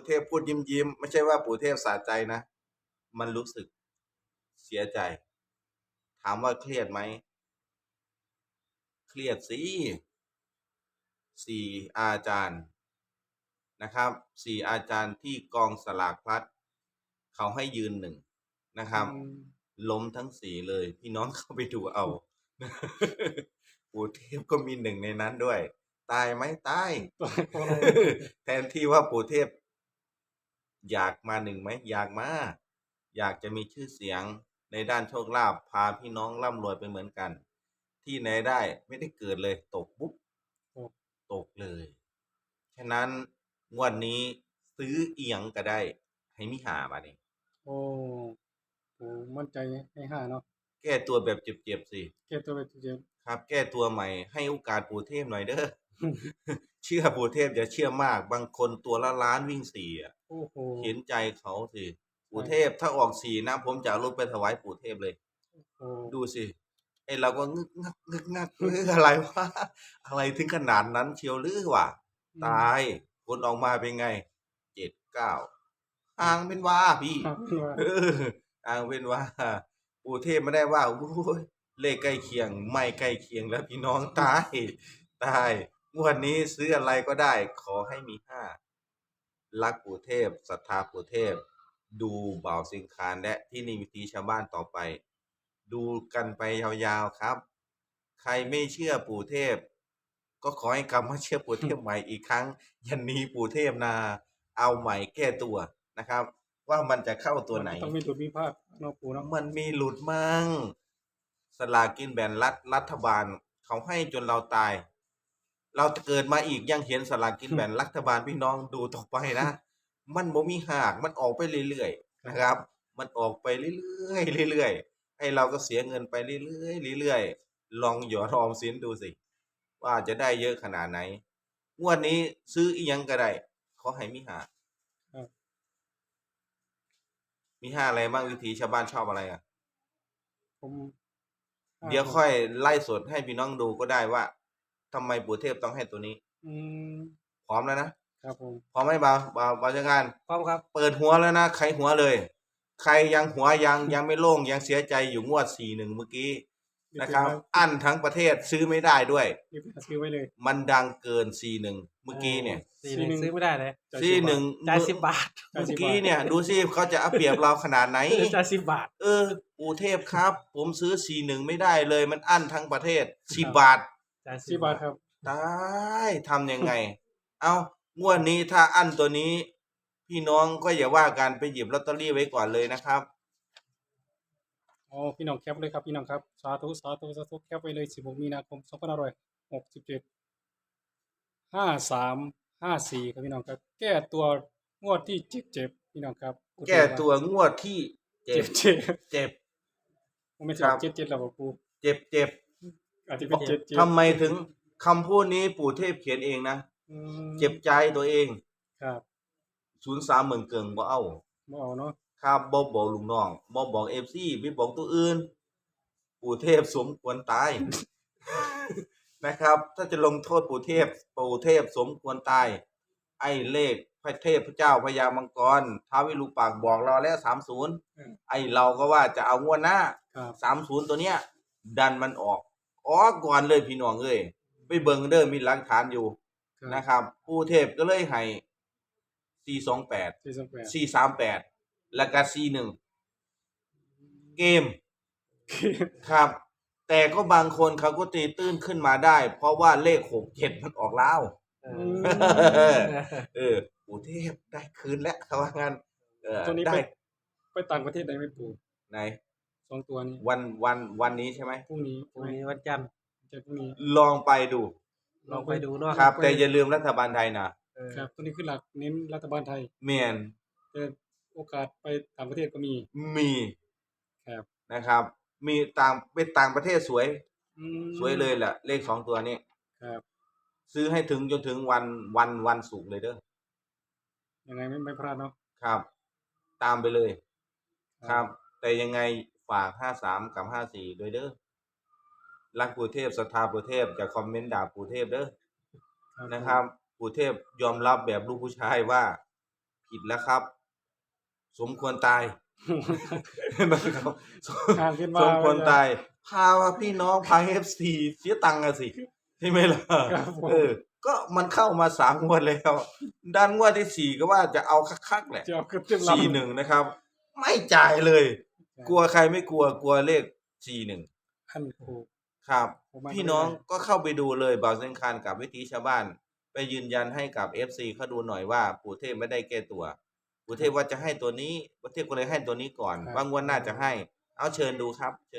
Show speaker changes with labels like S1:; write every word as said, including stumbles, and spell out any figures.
S1: เทพพูดยิ้มยิ้มไม่ใช่ว่าปู่เทพสะใจนะมันรู้สึกเสียใจ ถามว่าเครียดไหมเครียดสิสี่อาจารย์นะครับสี่อาจารย์ที่กองสลากพลัดเขาให้ยืนหนึ่งนะครับล้มทั้งสี่เลยพี่น้องเข้าไปดูเอาปู่เทพก็มีหนึ่งในนั้นด้วย ตายไหมตายแทนที่ว่าปู่เทพอยากมาหนึ่งไหมอยากมาอยากจะมีชื่อเสียงในด้านโชคลาภพาพี่น้องร่ำรวยไปเหมือนกัน ที่ไหนได้ไม่ได้เกิดเลยตกปุ๊บตกเลยฉะนั้นงวดนี้ซื้อเอียงก็ได้ให้มิหาบาดนี้
S2: โอ้โหมั่นใจให้ห้าเนาะ
S1: แก้ตัวแบบเจ็บๆสิ
S2: แก้ตัวแบบเจ็บ
S1: ครับแก้ตัวใหม่ให้โอกาสปู่เทพหน่อยเด้อ เชื่อปู่เทพอย่าเชื่อมากบางคนตัวละล้านวิ่งสี่อ่ะ
S2: โอ้โห
S1: เห็นใจเขาสิปู่เทพถ้าออกสี่นะผมจะเอารถไปถวายปู่เทพเลยดูสิไอเราก็งึกงักงึกงักเรื่องอะไรวะอะไรถึงขนาดนั้นเชียวหรือวะตายผลออกมาเป็นไงเจ็ดเก้าอ่างเป็นว่าพี่อ่างเป็นว่าปู่เทพไม่ได้ว่าโอ้ยเลขใกล้เคียงไม่ใกล้เคียงแล้วพี่น้องตายตายงวดนี้ซื้ออะไรก็ได้ขอให้มีห้ารักปู่เทพศรัทธาปู่เทพดูบ่าวสิงคานและที่นี่วิธีชาวบ้านต่อไปดูกันไปยาวๆครับใครไม่เชื่อปู่เทพก็ขอให้กลับมาเชื่อปู่เทพใหม่อีกครั้งยันนี้ปู่เทพนาเอาใหม่แก้ตัวนะครับว่ามันจะเข้าตัวไหน
S2: ต้องมีหลุดมีพลาดเนาะปู่เนาะ
S1: มันมีหลุดมั่งสลากกินแบ่งรัฐรัฐบาลเขาให้จนเราตายเราเกิดมาอีกยังเห็นสลากกินแบ่งรัฐบาลพี่น้องดูต่อไปนะมันบ่มีหากมันออกไปเรื่อยๆนะครับมันออกไปเรื่อยๆเรื่อยๆให้เราก็เสียเงินไปเรื่อยๆเรื่อยๆลองหยอดออมสินดูสิว่าจะได้เยอะขนาดไหนงวดนี้ซื้ออีหยังก็ได้ขอให้มีหามีห้าอะไรบ้างวิธีชาวบ้านชอบอะไรอ่ะ
S2: ผม
S1: เดี๋ยวค่อยไล่สดให้พี่น้องดูก็ได้ว่าทำไมปู่เทพต้องให้ตัวนี้
S2: อืม
S1: พร้อมแล้วนะครับ
S2: ผม
S1: พร้อมไหมบ่าวบ่าวบ่าวจัดการ
S2: พร้อมครับ
S1: เปิดหัวแล้วนะใครหัวเลยใครยังหัวยังยังไม่โล่งยังเสียใจอยู่งวดสี่หนึ่งเมื่อกี้นะครับอั้นทั้งประเทศซื้อไม่ได้ด้วย
S2: ซื้อไว้เลย
S1: มันดังเกินสี่หนึ่งเมื่อกี้เนี่ย
S2: สี่หนึ่งซื้อไม่ได้เลย
S1: สี่หนึ่ง
S2: จ่ายสิบบาท
S1: เมื่อกี้เนี่ยดูสิเขาจะเอาเปรียบเราขนาดไหน
S2: จ่ายสิบบาท
S1: เออปู่เทพครับผมซื้อสี่หนึ่งไม่ได้เลยมันอั้นทั้งประเทศสิบบาท
S2: จ่ายสิบบาทครับ
S1: ตายทำยังไงเอางวดนี้ถ้าอั้นตัวนี้พี่น้องก็อย่าว่ากันไปหยิบลอตเตอรี่ไว้ก่อนเลยนะครับ
S2: อ๋อพี่น้องแคปเลยครับพี่น้องครับสาธุสาธุสาธุแคปไปเลยสิบหกมีนาคมสองพันห้าร้อยหกสิบเจ็ดห้าสามห้าสี่ครับพี่น้องครับแก้ตัวงวดที่เจ็บเจ็บพี่น้องครับ
S1: แก้ตัวงวดที่เจ็บ
S2: เจ็บ
S1: เจ็บ
S2: ผมไม่ใช่เจ็บเจ็บแล้วปู
S1: เจ็บเจ็บ
S2: อาจจะเป็นเจ็บเจ็บ
S1: ทำไมถึงคำพูดนี้ปู่เทพเขียนเองนะเจ็บใจตัวเอง
S2: ครับ
S1: ศูนย์สามหมื่นเกิงบ่เอา
S2: บ่เอาเนาะ
S1: ครับบ่บอกลุงน้องบ่บอกเอฟซีไม่บอกตัวอื่นปู่เทพสมควรตายนะครับถ้าจะลงโทษปู่เทพปู่เทพสมควรตายไอ้เลขพระเทพพระเจ้าพญามังกรท้าววิรูปักษ์บอกเราแล้วสามสิบไอ้เราก็ว่าจะเอางวดหน้าสามสิบตัวเนี้ยดันมันออกออกก่อนเลยพี่น้องเอ้ยไปเบิ่งเด้อมีหลักฐานอยู่นะครับปู่เทพก็เลยให้สี่สองแปด สี่สามแปดแล้วก็สี่หนึ่งเกมครับแต่ก็บางคนเขาก็ตีตื้นขึ้นมาได้เพราะว่าเลขหกเจ็ดมันออกแล้วเออปู่เทพได้คืนแล้วเขาว่างั้นเออ
S2: ตัวนี้ไปไปต่างประเทศได้ไหมปู่
S1: ไหน
S2: สองตัวนี้
S1: วันวันวันนี้ใช่ไหม
S2: พรุ่งนี้
S3: พรุ่งนี้วันจันทร์
S2: จะพรุ่งนี้
S1: ลองไปดู
S3: ลองไปดูเนาะ
S1: ครับแต่อย่าลืมรัฐบาลไทยนะครับ
S2: ตัวนี้คือหลักเน้นรัฐบาลไทย
S1: เมียน
S2: แต่โอกาสไปต่างประเทศก็มี
S1: มี
S2: ครับ
S1: นะครับมีต่างเป็นต่างประเทศสวยสวยเลยแหละเลขสองตัวนี้
S2: ครับ
S1: ซื้อให้ถึงจนถึงวันวันวันศุกร์เลยเด้อ
S2: ยังไงไม่ไม่พลาดเนาะ
S1: ครับตามไปเลยครับแต่ยังไงฝากห้าสามกับห้าสี่โดยเด้อรักปู่เทพศรัทธาปู่เทพจะคอมเมนต์ด่าปู่เทพเด้อนะครับปู่เทพยอมรับแบบลูกผู้ชายว่าผิดแล้วครับ สมควรตาย นะครับสม
S2: ห่างขึ้นมา
S1: สมควรตาย พาพี่น้องพา เอฟ ซี เสียตังค์อะสิใช่ไหมล่ะ
S2: ครับผม
S1: เออ ก็มันเข้ามาสามงวดแล้วด้านงวดที่สี่ก็ว่าจะเอาคักๆแหละ
S2: จะเอาขึ้นเต็มลำ
S1: สี่หนึ่งนะครับ ไม่จ่ายเลย กลัวใครไม่กลัวกลัวเลขสี่หนึ่ง
S2: อันถูก
S1: ครับ
S2: ผมว่า
S1: พี่น้องก็เข้าไปดูเลยบ่าวเซนคานกับวิถีชาวบ้าน ไปยืนยันให้กับ เอฟ ซี เขาดูหน่อยว่าปู่เทพไม่ได้แก้ตัว ปู่เทพว่าจะให้ตัวนี้ปู่เทพก็เลยให้ตัวนี้ก่อน ว่างวดหน้าจะให้ เอาเชิญดูครับ